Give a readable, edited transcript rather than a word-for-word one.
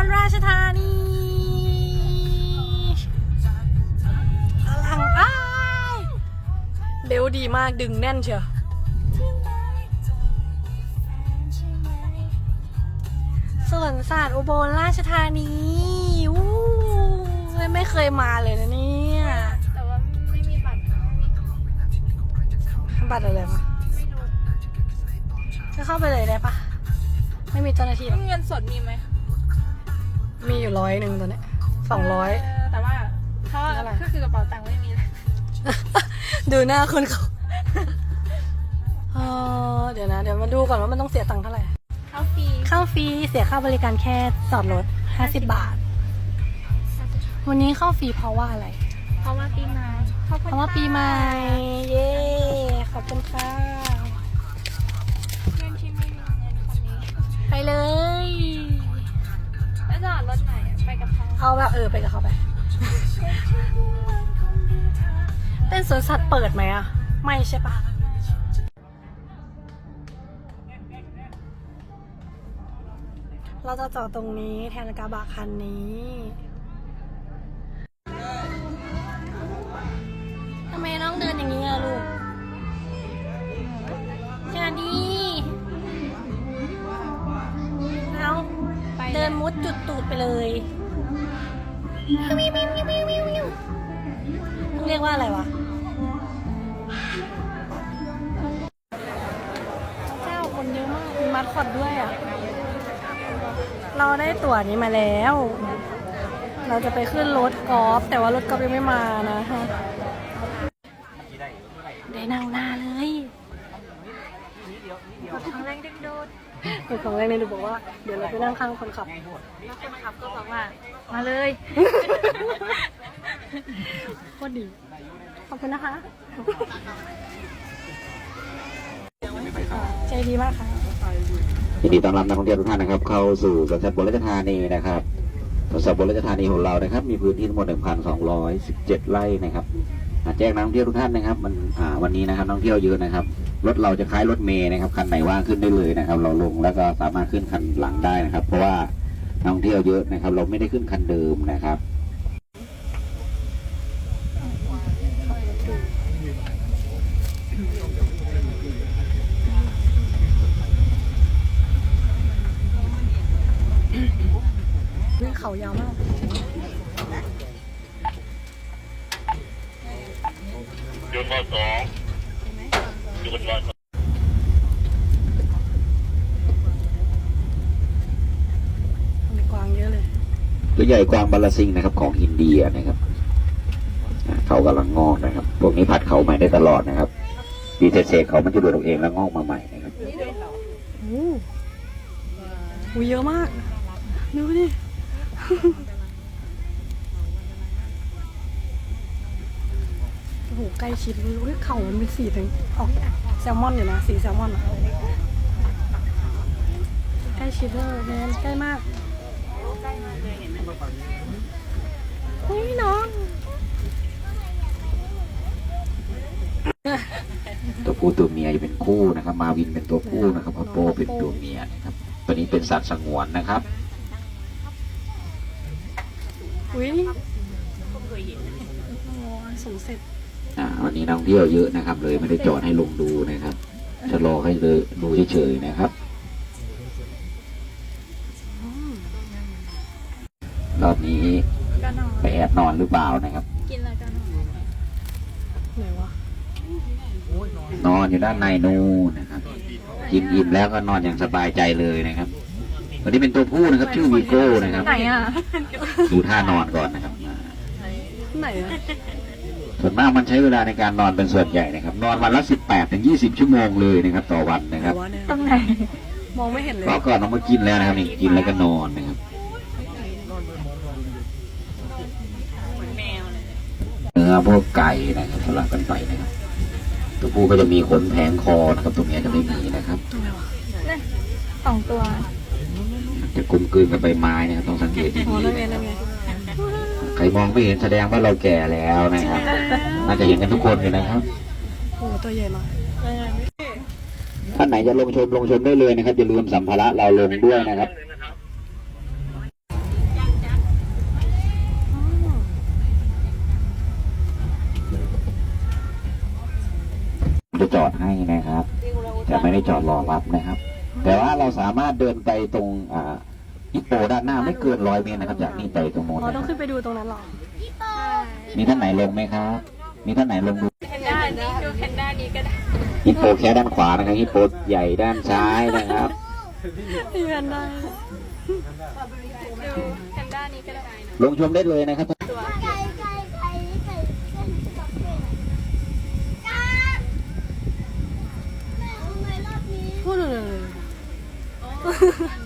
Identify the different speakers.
Speaker 1: รราชธานีอลังอ้ายเร็วดีมากดึงแน่นเชียวสวนสัตว์อุบลราชธานีวู้ไม่เคยมาเลยนะเนี่ย
Speaker 2: แต่ว่าไม่มีบัตร
Speaker 1: บัตรอะไรมาจะเข้าไปเลยได้ปะไม่มีเจ้าหน้าที่หรอ
Speaker 2: เงินสดมีไหม
Speaker 1: มีอยู่100ตอนนี้200
Speaker 2: แต่ว่าเขาก็คือกระเป๋าตังค์ไม่มีเลย
Speaker 1: ดูหน้าคนเขาเดี๋ยวนะเดี๋ยวมาดูก่อนว่ามันต้องเสียตังค์เท่าไหร่
Speaker 2: เข้าฟรี
Speaker 1: เสียค่าบริการแค่จอดรถ50 บาทวันนี้เข้าฟรีเพราะว่าอะไร
Speaker 2: เพราะว่าปีใหม่
Speaker 1: เย้ขอบคุณค่ะ
Speaker 2: เงินที่ไม่มีเงินคนนี้
Speaker 1: ไปเลย
Speaker 2: แล้วจอดรถไหนไปกับเขา
Speaker 1: เอาแบบไปกับเขาไปเป็นสวนสัตว์เปิดไหมอะไม่ใช่ปะเราจะจอดตรงนี้แทนกระบะคันนี้ทำไมน้องเดินอย่างนี้อะลูกจาดีเอาเดินมุดจุดตูดไปเลยต้องเรียกว่าอะไรวะเจ้าคนเยอะมากมีมัดคอดด้วยอ่ะเราได้ตั๋วนี้มาแล้วเราจะไปขึ้นรถกอล์ฟแต่ว่ารถกอล์ฟยังไม่มานะฮะได้นั่งหน้าเลย
Speaker 2: ของแรงดึงดูด
Speaker 1: ของแรกเลยดูบอกว่าเดี๋ยวเราไปนั่งข้างคนขับ
Speaker 2: แล้วคนขับก็บอกว่ามาเลย
Speaker 1: โคตรดีขอบคุณนะคะใจดีมากค่ะ
Speaker 3: ยินดีต้อนรับนักท่องเที่ยวทุกท่านนะครับเข้าสู่สวนสัตว์อุบลราชธานีนะครับสวนสัตว์อุบลราชธานีของเรานะครับมีพื้นที่ทั้งหมด 1,217 ไร่นะครับแจ้งนักท่องเที่ยวทุกท่านนะครับวันนี้นะครับนักท่องเที่ยวเยอะนะครับรถเราจะคล้ายรถเมล์นะครับคันไหนว่างขึ้นได้เลยนะครับเราลงแล้วก็สามารถขึ้นคันหลังได้นะครับเพราะว่านักท่องเที่ยวเยอะนะครับเราไม่ได้ขึ้นคันเดิมนะครับ
Speaker 1: เขายาวมาก
Speaker 4: หยุดรอบ2หยุดรอบ
Speaker 1: มีกวางเยอะเลย
Speaker 3: ตัวใหญ่กวางบาลาซิงนะครับของอินเดียนะครับเขากำลังงอกนะครับพวกนี้ผัดเขาใหม่ได้ตลอดนะครับปีเศษเขามันจะดูดออกเองแล้วงอกมาใหม่นะครับ
Speaker 1: โอ้เยอะมากดูดิโอ้โหใกล้ชิดเลยเข่ามันเป็นสีถึงออกแซลมอนอยู่นะสีแซลมอนอะใกล้ชิดเลยแมนใกล้มากเฮ้ยน้อง
Speaker 3: ตัวผู้ตัวเมียจะเป็นคู่นะครับมาวินเป็นตัวผู้นะครับพัปโปเป็นตัวเมียนะครับตัวนี้เป็นสัตว์สงวนนะครับ
Speaker 1: อุ้ยสูงเสร็จ
Speaker 3: วันนี้นักท่องเที่ยวเยอะนะครับเลยไม่ได้จอดให้ลงดูนะครับจะรอให้เลยดูเฉยๆนะครับรอบนี้ไปแอบนอนหรือเปล่านะครับ
Speaker 2: กินอะไรกัน
Speaker 1: ไหนวะ
Speaker 3: นอนอยู่ด้านในนู่นนะครับกินอิ่มแล้วก็นอนอย่างสบายใจเลยนะครับวันนี้เป็นตัวผู้นะครับชื่อวีโก้นะครับ
Speaker 1: ไหนอ่ะ
Speaker 3: ดูท่านอนก่อนนะครับ
Speaker 1: ไหนอ่ะ
Speaker 3: ส่วนมากมันใช้เวลาในการนอนเป็นส่วนใหญ่นะครับนอนวันละ18-20 ชั่วโมงเลยนะครับต่อวันนะครับ
Speaker 1: ตรงไหนมองไม่เห็นเลย
Speaker 3: รอบก่อนน้องมากินแล้วนะครับนี่กินแล้วก็นอนนะครับเนื้อพวกไก่นะครับสลับกันไปนะครับตัวผู้ก็จะมีขนแผงคอนะครับตัวเมียจะไม่มีนะครับ
Speaker 2: 2 ตัว
Speaker 3: จะกลมกลืนกับใบไม้นะครับต้องสังเกตดีๆใครมองไม่เห็นแสดงว่าเราแก่แล้วนะครับน่าจะเห็นกันทุกคนเลยนะครับ
Speaker 1: โอ้ตัวใหญ่มาก
Speaker 3: ท่านไหนจะลงชมได้เลยนะครับอย่าลืมสัมภาระเราลงด้วยนะครับจอดให้นะครับจะไม่ได้จอดรอรับนะครับ แต่ว่าเราสามารถเดินไปตรงฮิปโปด้านหน้าไม่เกิน100 เมตรนะครับจากนี่ไปตรงโน้น
Speaker 1: เรา
Speaker 3: นะค
Speaker 1: ต้อ
Speaker 3: รั
Speaker 1: ง
Speaker 3: บ
Speaker 1: ขึ้นไปดูตรงนั้นเหรอ
Speaker 3: มีท่านไหนลงไหมครับ มีท่านไหนลงดู
Speaker 2: แพนด้านี้ดูแพนด้านี้ก็ได้
Speaker 3: ฮิปโปแค่ด้านขวานะครับฮิปโปใหญ่ด้านซ้ายนะครับ
Speaker 1: เพื่อนได้
Speaker 2: ดูแพนด้านี้ก็ได้
Speaker 3: ลงชมได้เลยนะครับ
Speaker 2: ตัว
Speaker 1: พูดเลย